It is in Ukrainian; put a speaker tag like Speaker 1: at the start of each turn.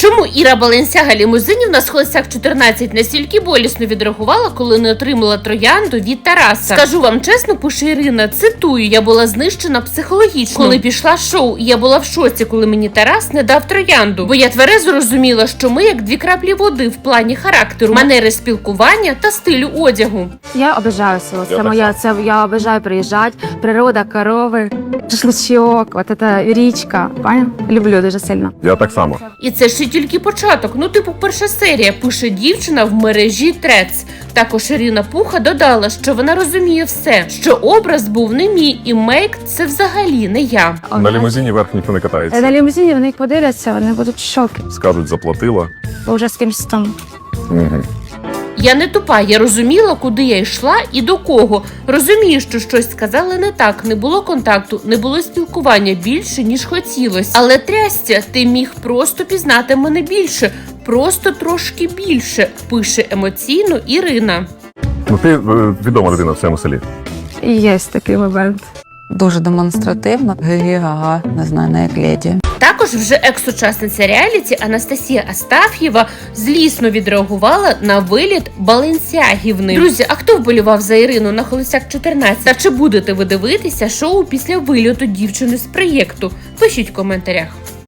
Speaker 1: Чому Іра Баленсяга-Лімузинівна з Холостяк 14 настільки болісно відреагувала, коли не отримала троянду від Тараса? Скажу вам чесно, пише Ірина, цитую, я була знищена психологічно. Коли пішла шоу, я була в шоці, коли мені Тарас не дав троянду. Бо я тверезо розуміла, що ми як дві краплі води в плані характеру, манери спілкування та стилю одягу.
Speaker 2: Я обожаю село. Я обожаю приїжджати. Природа, корови, шашличок, от це річка. Поняв? Люблю дуже сильно.
Speaker 3: Я так само.
Speaker 1: І це ще тільки початок. Ну, типу, перша серія, пише дівчина в мережі Трец. Також Ірина Пуха додала, що вона розуміє все, що образ був не мій, і мейк – це взагалі не я.
Speaker 3: На лімузині верх ніхто не катається.
Speaker 2: На лімузині вони подивляться, вони будуть в шокі.
Speaker 3: Скажуть, заплатила.
Speaker 2: Бо вже з кимось там.
Speaker 3: Угу.
Speaker 1: Я не тупа, я розуміла, куди я йшла і до кого. Розумію, що щось сказали не так, не було контакту, не було спілкування більше, ніж хотілося. Але трястя, ти міг просто пізнати мене більше, просто трошки більше, пише емоційно Ірина.
Speaker 3: Ну ти відома людина в цьому селі.
Speaker 2: І є такий момент.
Speaker 4: Дуже демонстративно. Гі-га-га, не знаю, не як леді.
Speaker 1: Також вже екс-учасниця реаліті Анастасія Астаф'єва злісно відреагувала на виліт Баленсягівни. Друзі, а хто вболівав за Ірину на Холостяк 14? Та чи будете ви дивитися шоу після вильоту дівчини з проєкту? Пишіть в коментарях.